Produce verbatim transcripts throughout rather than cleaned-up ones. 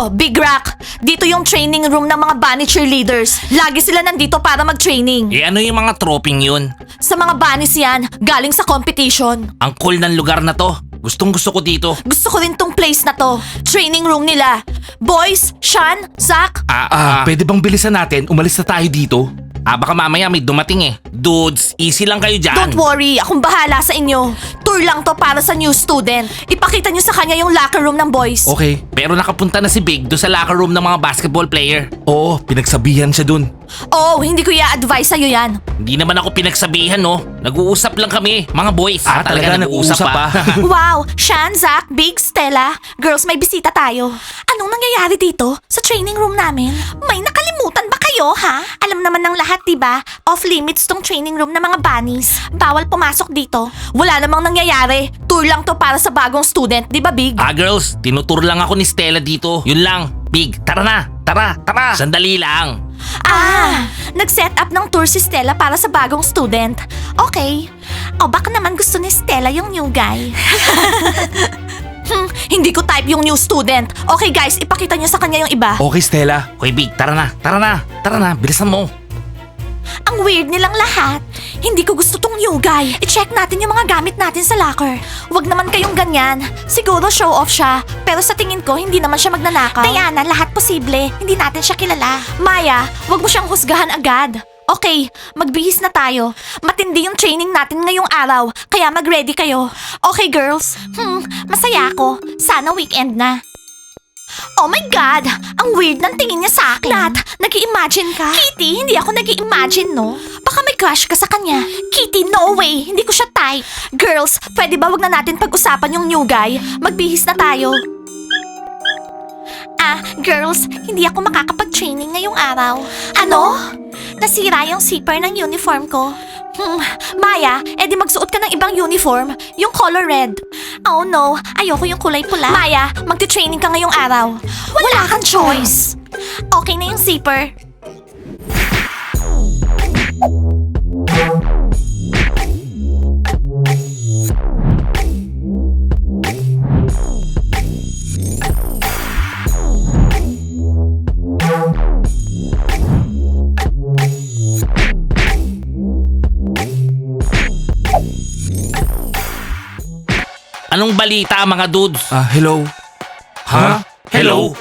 Oh, Big Rock, dito yung training room ng mga bunny cheerleaders. Lagi sila nandito para mag-training. Eh ano yung mga troping yun? Sa mga bunnies yan, galing sa competition. Ang cool ng lugar na to. Gustong gusto ko dito. Gusto ko rin tong place na to. Training room nila. Boys, Sean, Zach, Ah, Ah, ah, pwede bang bilisan natin? Umalis na tayo dito. ah, baka mamaya may dumating eh. Dudes, easy lang kayo dyan. don't worry, akong bahala sa inyo. Tour lang to para sa new student. Ipakita nyo sa kanya yung locker room ng boys. Okay. Pero nakapunta na si Big do sa locker room ng mga basketball player. Oo, pinagsabihan siya dun. Oh, hindi ko i-advise sa'yo yan. Hindi naman ako pinagsabihan no. Nag-uusap lang kami, mga boys. Ah, talaga, nag-uusap pa. Wow, Sean, Zach, Big, Stella. Girls, may bisita tayo. Anong nangyayari dito sa training room namin? May nakalimutan ba kayo, ha? Alam naman ng lahat, diba? Off limits tong training room ng mga bunnies. Bawal pumasok dito. Wala namang nangyayari. Tour lang to para sa bagong student, di ba, Big? Ah girls, tinutur lang ako ni Stella dito. Yun lang. Big, tara na. Tara, tara. Sandali lang. Ah, nag-set up ng tour si Stella para sa bagong student. Okay. O baka naman gusto ni Stella yung new guy. Hmm, hindi ko type yung new student. Okay guys, ipakita niyo sa kanya yung iba. Okay, Stella. Hoy Big, tara na. Tara na. Tara na. Bilisan mo. Ang weird nilang lahat. Hindi ko gusto tong new guy. I-check natin yung mga gamit natin sa locker. Huwag naman kayong ganyan. Siguro show off siya. Pero sa tingin ko, hindi naman siya magnanakaw. Diana, lahat posible. Hindi natin siya kilala. Maya, huwag mo siyang husgahan agad. Okay, magbihis na tayo. Matindi yung training natin ngayong araw, kaya mag-ready kayo. Okay, girls? Hmm, masaya ako. Sana weekend na. Oh my God! Ang weird ng tingin niya sa akin. Nat, nag-i-imagine ka? Kitty, hindi ako nag-i-imagine, no? Baka may crush ka sa kanya. Kitty, no way! Hindi ko siya type. Girls, pwede ba wag na natin pag-usapan yung new guy? Magbihis na tayo. Ah, girls, hindi ako makakapag-training ngayong araw. Ano? Nasira yung zipper ng uniform ko. Hmm, Maya, edi magsuot ka ng ibang uniform, yung color red. Oh no, ayoko yung kulay pula. Maya, magte-training ka ngayong araw. Wala, kang choice. Okay na yung zipper. Anong balita mga dudes? Ah, hello. Ha? Hello?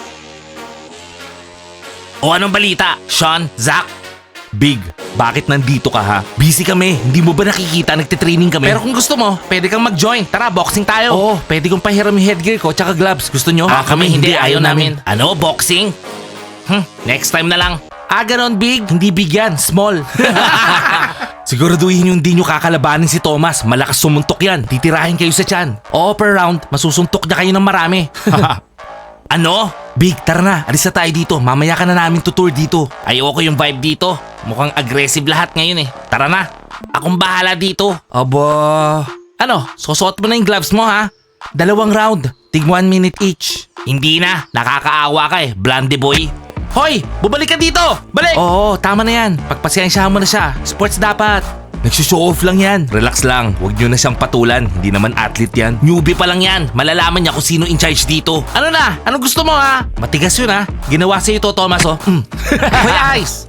O anong balita? Sean? Zach? Big, bakit nandito ka ha? Busy kami. Hindi mo ba nakikita nagtitraining kami? Pero kung gusto mo, pwede kang mag-join. Tara, boxing tayo. Oo, pwede kong pahiram yung headgear ko tsaka gloves. Gusto nyo? Ah, kami hindi, ayaw namin. Ano, boxing? Hmm, next time na lang. Ah, ganon, Big. Hindi big yan, small. Siguraduhin yung di nyo kakalabanin si Thomas. Malakas sumuntok yan. Titirahin kayo sa tiyan. Oo, per round, masusuntok niya kayo ng marami. Ano? Big, tara na. Alis na tayo dito. Mamaya ka na namin tutur dito. Ayoko yung vibe dito. Mukhang aggressive lahat ngayon eh. Tara na. Akong bahala dito. Aba... Ano, susuot mo na yung gloves mo ha? Dalawang round. Tig one minute each. Hindi na. Nakakaawa ka eh, blondie boy. Hoy, bubalik ka dito! Balik! Oo, tama na yan. Pagpasensyahan mo na siya. Sports dapat. Nagsushow off lang yan. Relax lang. Huwag nyo na siyang patulan. Hindi naman athlete yan. Newbie pa lang yan. Malalaman niya kung sino in charge dito. Ano na? Ano gusto mo ha? Matigas yun ha. Ginawa sa'yo to, Thomas oh. Mm. Hoy, Ice!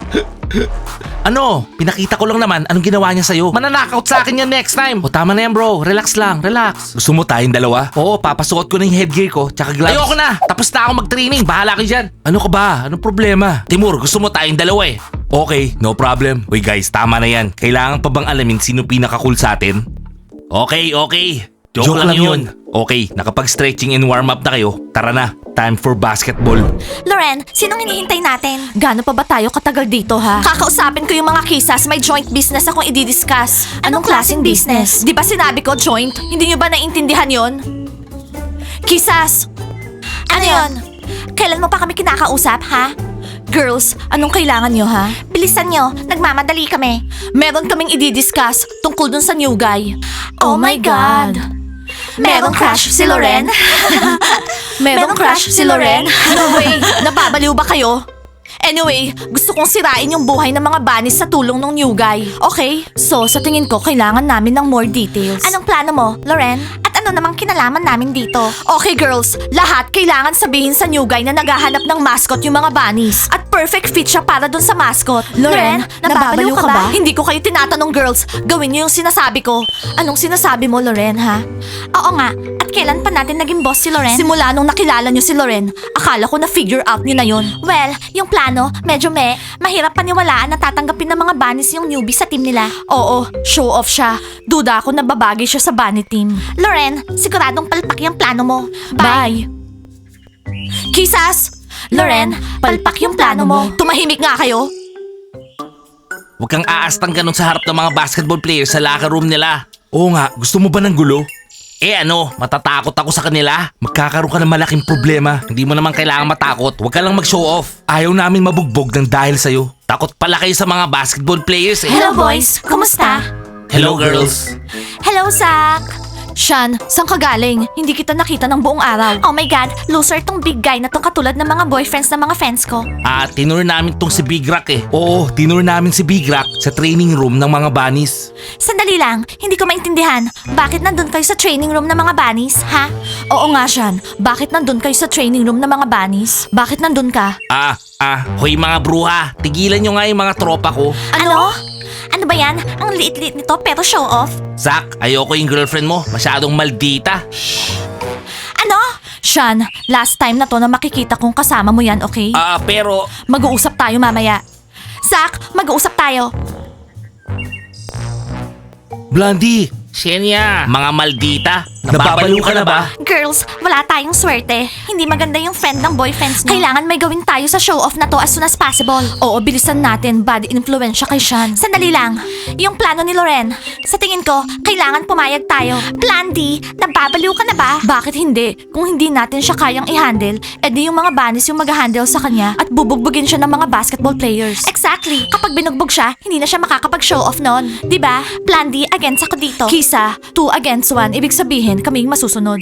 Ano? Pinakita ko lang naman anong ginawa niya sa'yo. Mananakaut sa akin yan next time. O tama na yan bro. Relax lang. Relax. Gusto mo tayong dalawa? Oo, papasuot ko na yung headgear ko tsaka gloves. Ayoko na. Tapos na ako mag-training. Bahala kayo dyan. Ano ka ba? Anong problema? Timur, gusto mo tayong dalawa eh. Okay, no problem. Uy guys, tama na yan. Kailangan pa bang alamin sino pinaka-cool sa atin? Okay, okay. Joke, lang, yun. Okay, nakapag-stretching and warm-up na kayo. Tara na. Time for basketball. Loren, sinong hinihintay natin? Gaano pa ba tayo katagal dito, ha? Kakausapin ko yung mga kisas, may joint business akong i-discuss. Anong klaseng business? Di ba sinabi ko joint? Hindi nyo ba naiintindihan yon? Kisas! Ano yon? Kailan mo pa kami kinakausap, ha? Girls, anong kailangan nyo, ha? Bilisan nyo, nagmamadali kami. Meron kaming i-discuss tungkol dun sa new guy. Oh, my God! Merong crush si Loren? Merong crush si Loren? No way! Napabaliw ba kayo? Anyway, gusto kong sirain yung buhay ng mga bunnies sa tulong ng new guy. Okay? So, sa tingin ko, kailangan namin ng more details. Anong plano mo, Loren? At Ano namang kinalaman namin dito? Okay girls, lahat kailangan sabihin sa new guy na naghahanap ng mascot yung mga bunnies. At perfect fit siya para dun sa mascot. Loren, nababaliw ka ba? Hindi ko kayo tinatanong girls. Gawin niyo yung sinasabi ko. Anong sinasabi mo, Loren, ha? Oo nga. At kailan pa natin naging boss si Loren? Simula nung nakilala niyo si Loren, akala ko na figure out niyo na yun. Well, yung plano, medyo me. Mahirap paniwalaan na tatanggapin ng mga bunnies yung newbie sa team nila. Oo, show off siya. Duda ako na babagay siya sa bunny team. Loren, siguradong palpak yung plano mo. Bye. Kisas! Loren, palpak yung plano mo. Tumahimik nga kayo. Huwag kang aastang ganun sa harap ng mga basketball players sa locker room nila. Oo nga, gusto mo ba ng gulo? Eh ano, matatakot ako sa kanila. Magkakaroon ka ng malaking problema. Hindi mo naman kailangan matakot. Huwag ka lang mag-show off. Ayaw namin mabugbog ng dahil sa'yo. Takot pala kayo sa mga basketball players eh. Hello boys, kumusta? Hello girls. Hello, Zach! Sean, saan ka galing? Hindi kita nakita ng buong araw. Oh my God, loser tong big guy na tong katulad ng mga boyfriends ng mga friends ko. Ah, tinur namin tong si Big Rock eh. Oo, tinur namin si Big Rock sa training room ng mga bunnies. Sandali lang, hindi ko maintindihan. Bakit nandun kayo sa training room ng mga bunnies, ha? Oo nga, Sean. Bakit nandun kayo sa training room ng mga bunnies? Bakit nandun ka? Ah, ah, hoy mga bruha. Tigilan nyo nga yung mga tropa ko. Ano? Ano ba yan? Ang liit-liit nito pero show off. Zach, ayoko yung girlfriend mo. Masyadong maldita. Ano? Sean, last time na to na makikita kong kasama mo yan, okay? Ah, pero... Mag-uusap tayo mamaya. Zach, mag-uusap tayo. Blondie, Shenya, mga maldita. nababaliw ka na ba? Girls, wala tayong swerte. Hindi maganda yung friend ng boyfriends niyo. Kailangan may gawin tayo sa show-off na to as soon as possible. Oo, bilisan natin. Bad influence siya kay Sean. Sandali lang. Yung plano ni Loren. Sa tingin ko, kailangan pumayag tayo. Plan D, nababaliw ka na ba? Bakit hindi? Kung hindi natin siya kayang i-handle, edi yung mga bunnies yung mag-handle sa kanya at bubugbugin siya ng mga basketball players. Exactly. Kapag binugbog siya, hindi na siya makakapag-show off nun. Diba? Plan D against ako dito. Kisa, two against one. Ibig sabihin, kaming masusunod.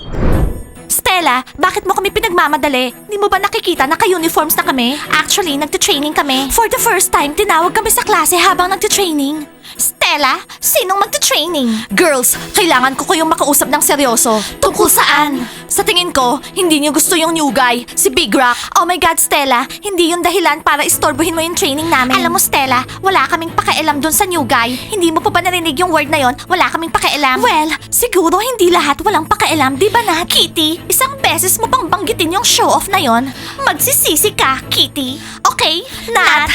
Stella, bakit mo kami pinagmamadali? Hindi mo ba nakikita naka-uniforms na kami? Actually, nagte-training kami. For the first time, tinawag kami sa klase habang nagte-training. Stella, sinong magte-training? Girls, kailangan ko kayong makausap ng seryoso. Tungkol saan? Sa tingin ko, hindi niyo gusto yung new guy, si Big Rock. Oh my God, Stella, hindi yung dahilan para istorbohin mo yung training namin. Alam mo, Stella, wala kaming pakialam dun sa new guy. Hindi mo pa ba narinig yung word na yon? Wala kaming pakialam. Well, siguro hindi lahat walang pakialam, di ba Nat? Kitty, isang beses mo pang banggitin yung show-off na yon. Magsisisi ka, Kitty. Okay, Nat?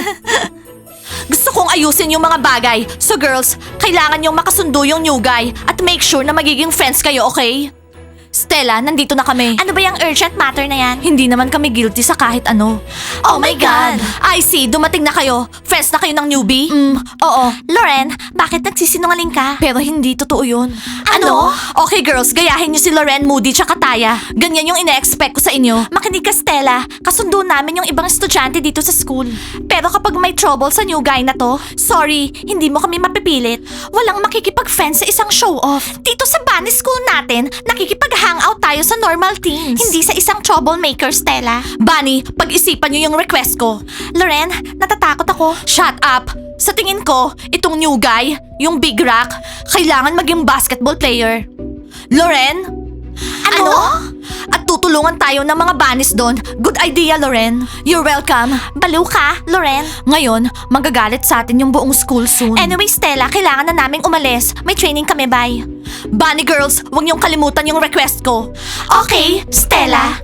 Gusto kong ayusin yung mga bagay. So girls, kailangan yung makasundo yung new guy at make sure na magiging friends kayo, okay? Stella, nandito na kami. Ano ba yung urgent matter na yan? Hindi naman kami guilty sa kahit ano. Oh, my God! I see, dumating na kayo. Friends na kayo ng newbie? Mm, oo. Loren, bakit nagsisinungaling ka? Pero hindi totoo yun. Ano? Okay girls, gayahin niyo si Loren, Moody, tsaka Taya. Ganyan yung ine-expect ko sa inyo. Makinig ka, Stella. Kasundo namin yung ibang estudyante dito sa school. Pero kapag may trouble sa new guy na to, sorry, hindi mo kami mapipilit. Walang makikipag-friend sa isang show-off. Dito sa bunny school natin, nakikipag-hangout tayo sa normal teams. Hindi sa isang troublemaker, Stella. Bunny, pag-isipan niyo yung request ko. Loren, natatakot ako. Shut up! Sa tingin ko, itong new guy, yung Big Rock, kailangan maging basketball player. Loren? Ano? At tutulungan tayo ng mga bunnies doon. Good idea, Loren. You're welcome. Baliw ka, Loren. Ngayon, magagalit sa atin yung buong school soon. Anyway, Stella, kailangan na naming umalis. May training kami, bye. Bunny girls, huwag niyong kalimutan yung request ko. Okay, Stella.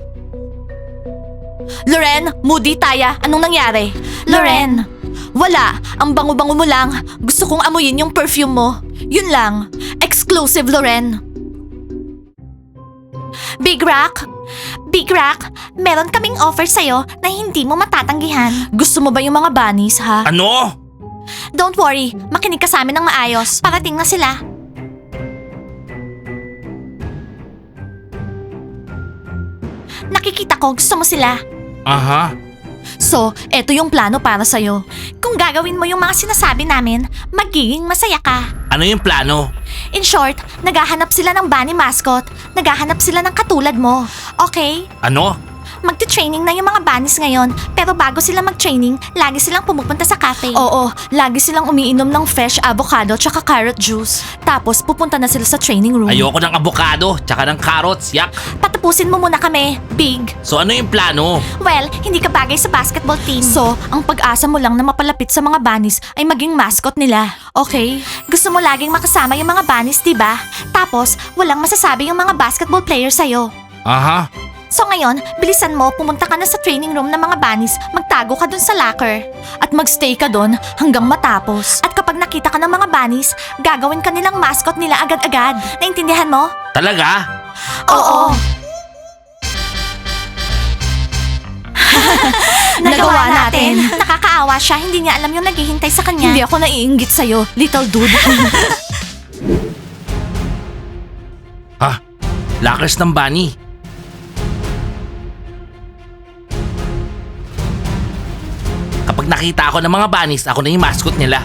Loren, Moody, Taya, anong nangyari? Loren. Wala. Ang bango-bango mo lang. Gusto kong amuyin yung perfume mo. Yun lang. Exclusive, Loren. Big Rock? Big Rock, meron kaming offer sa'yo na hindi mo matatanggihan. Gusto mo ba yung mga bunnies, ha? Ano? Don't worry, makinig ka sa amin ng maayos. Parating na sila. Nakikita ko, gusto mo sila. Aha. So, eto yung plano para sa'yo. Kung gagawin mo yung mga sinasabi namin, magiging masaya ka. Ano yung plano? In short, naghahanap sila ng bunny mascot. Naghahanap sila ng katulad mo. Okay? Ano? magti-training na yung mga bunnies ngayon. Pero bago sila mag-training, lagi silang pumupunta sa cafe. Oo, lagi silang umiinom ng fresh avocado tsaka carrot juice. Tapos pupunta na sila sa training room. Ayoko ng avocado, tsaka ng carrots, yak. Patapusin mo muna kami, Big. So ano yung plano? Well, hindi ka bagay sa basketball team. So, ang pag-asa mo lang na mapalapit sa mga bunnies ay maging mascot nila. Okay? Gusto mo laging makasama yung mga bunnies, di ba? Tapos, walang masasabi yung mga basketball players sa'yo. Aha. So ngayon, bilisan mo, pumunta ka na sa training room ng mga bunnies, magtago ka dun sa locker. At magstay ka dun hanggang matapos. At kapag nakita ka ng mga bunnies, gagawin ka nilang mascot nila agad-agad. Naintindihan mo? Talaga? Oo. Nagawa natin. Nakakaawa siya, hindi niya alam yung naghihintay sa kanya. Hindi ako naiinggit sa'yo, little dude. Ha? Lockers ng bunny. Kapag nakita ako ng mga bunnies, ako na yung mascot nila.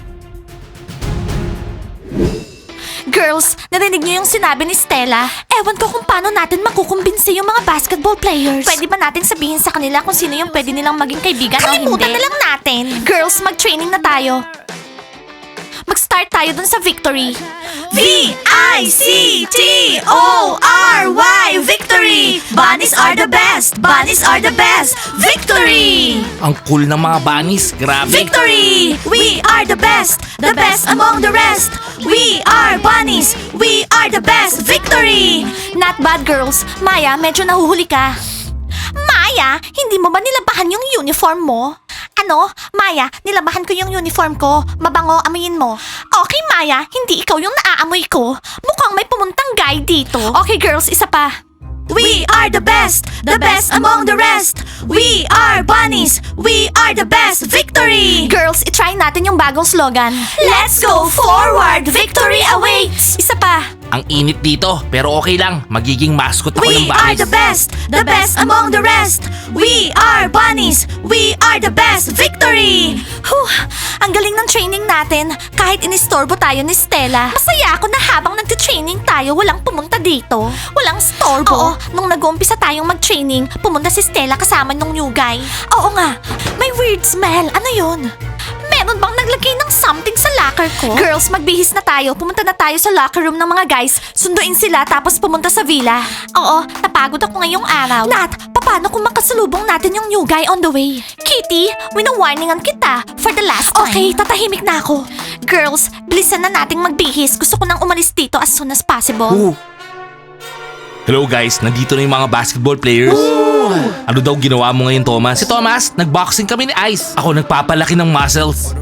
Girls, narinig niyo yung sinabi ni Stella? Ewan ko kung paano natin makukumbinsi yung mga basketball players. Pwede ba natin sabihin sa kanila kung sino yung pwede nilang maging kaibigan o hindi? Kalimutan na lang natin. Girls, mag-training na tayo. Mag-start tayo dun sa victory. V I C T O R Y Victory! Bunnies are the best! Bunnies are the best! Victory! Ang cool ng mga bunnies, grabe. Victory! We are the best! The best among the rest! We are bunnies! We are the best! Victory! Not bad, girls. Maya, medyo nahuhuli ka. Maya, hindi mo ba nilabahan yung uniform mo? Ano? Maya, nilabahan ko yung uniform ko. Mabango, amuyin mo. Okay, Maya, hindi ikaw yung naaamoy ko. Mukhang may pumuntang guy dito. Okay, girls, isa pa. We are the best, the best among the rest. We are bunnies, we are the best. Victory! Girls, itry natin yung bagong slogan. Let's go forward, victory awaits! Isa pa. Ang init dito, pero okay lang. Magiging mascot ako ng We are bunnies. the best, the best among the rest. We are bunnies, we are the best. Victory! Huh, ang galing ng training natin. Kahit inistorbo tayo ni Stella. Masaya ako na habang nagtitraining tayo, walang pumunta dito. Walang storbo. Oo, nung nag-uumpisa tayong mag-training, pumunta si Stella kasama nung new guy. Oo nga, may weird smell. Ano yun? Meron bang naglagay ng something sa locker ko? Girls, magbihis na tayo. Pumunta na tayo sa locker room ng mga guys. Sunduin sila tapos pumunta sa villa. Oo, napagod ako ngayong araw. Nat, paano kung makasalubong natin yung new guy on the way? Kitty, winawarningan kita for the last time. Okay, tatahimik na ako. Girls, bilisan na nating magbihis. Gusto ko nang umalis dito as soon as possible. Ooh. Hello guys, nandito na yung mga basketball players. Ano daw ginawa mo ngayon, Thomas? Si Thomas, nagboxing kami ni Ice. Ako nagpapalaki ng muscles.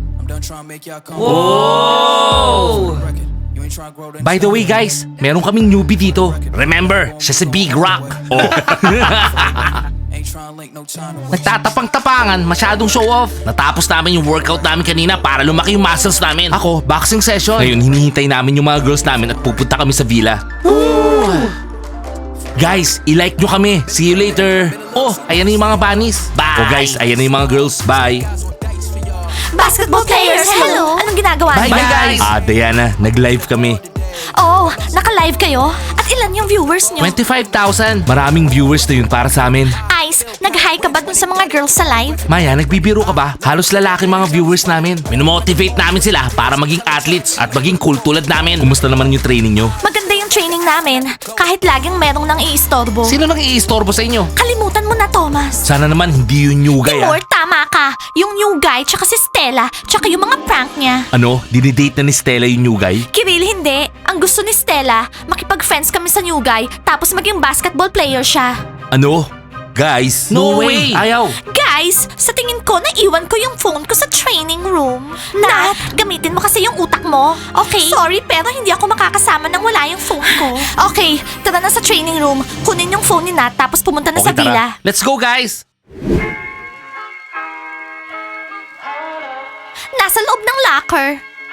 Oh! By the way guys, meron kaming newbie dito. Remember, siya si Big Rock. Oh. Nagtatapang-tapangan, masyadong show off. Natapos namin yung workout namin kanina para lumaki yung muscles namin. Ako, boxing session. Ngayon, hinihintay namin yung mga girls namin at pupunta kami sa villa. Guys, i-like nyo kami. See you later. Oh, ayan na yung mga bunnies. Bye. Oh guys, ayan na yung mga girls. Bye. Basketball players, hello! Anong ginagawa Bye, niyo? guys. Ah, Diana, nag-live kami. Oh, naka-live kayo? At ilan yung viewers niyo? twenty-five thousand. Maraming viewers na yun para sa amin. Ice, nag-hi ka ba dun sa mga girls sa live? Maya, nagbibiro ka ba? Halos lalaki mga viewers namin. Minomotivate namin sila para maging athletes at maging cool tulad namin. Kumusta naman yung training nyo? Maganda yung training namin. Kahit laging merong nang iistorbo. Sino nang iistorbo sa inyo? Kalimutan mo na, Thomas. Sana naman hindi yung new guy ah. Timur, tama ka. Yung new guy, tsaka si Stella, tsaka yung mga prank niya. Ano? Dinidate na ni Stella yung new guy? Kiril, hindi. Ang gusto ni Stella, makipag-friends kami sa new guy, tapos maging basketball player siya. Ano? Guys? No way. Ayaw. Guys, sa tingin ko, naiwan ko yung phone ko sa training room. Nat, gamitin mo kasi yung utak mo. Okay? Sorry, pero hindi ako makakasama nang wala yung phone ko. Okay, tara na sa training room. Kunin yung phone ni Nat, tapos pumunta na sa Okay, villa. tara. Let's go guys! Nasa loob ng locker.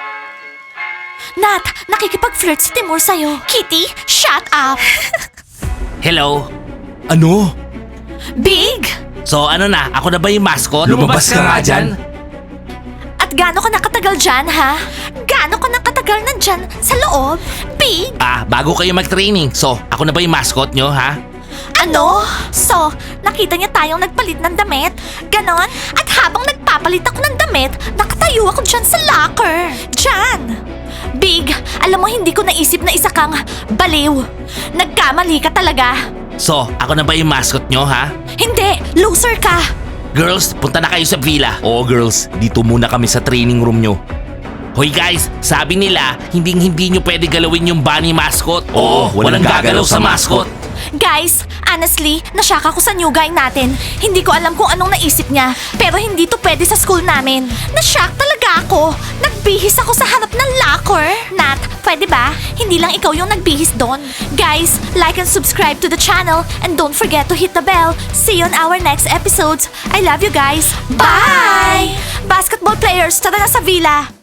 Nat, nakikipag-flirt si Timur sa'yo. Kitty, shut up. Hello? Ano? Big! So ano na, ako na ba yung mascot? Lumabas ka nga dyan. At gaano ka nakatagal dyan, ha? Gaano ka nakatagal nandyan sa loob? Big! Ah, bago kayo mag-training. So, ako na ba yung mascot nyo, ha? Ano? So, nakita niya tayong nagpalit ng damit? Ganon? At habang nagpapalit ako ng damit, nakatayo ako dyan sa locker. Dyan! Big, alam mo hindi ko naisip na isa kang baliw. Nagkamali ka talaga. So, ako na ba yung mascot nyo, ha? Hindi, loser ka. Girls, punta na kayo sa villa. Oo girls, dito muna kami sa training room nyo. Hoy guys, sabi nila, hindi hindi nyo pwede galawin yung bunny mascot. Oo, walang gagalaw sa mascot. Guys, honestly, nashock ako sa new guy natin. Hindi ko alam kung anong naisip niya, pero hindi to pwede sa school namin. Nashock talaga ako. Nagbihis ako sa harap ng locker. Nat, pwede ba? Hindi lang ikaw yung nagbihis doon. Guys, like and subscribe to the channel and don't forget to hit the bell. See you on our next episodes. I love you guys. Bye! Basketball players, tara na sa villa.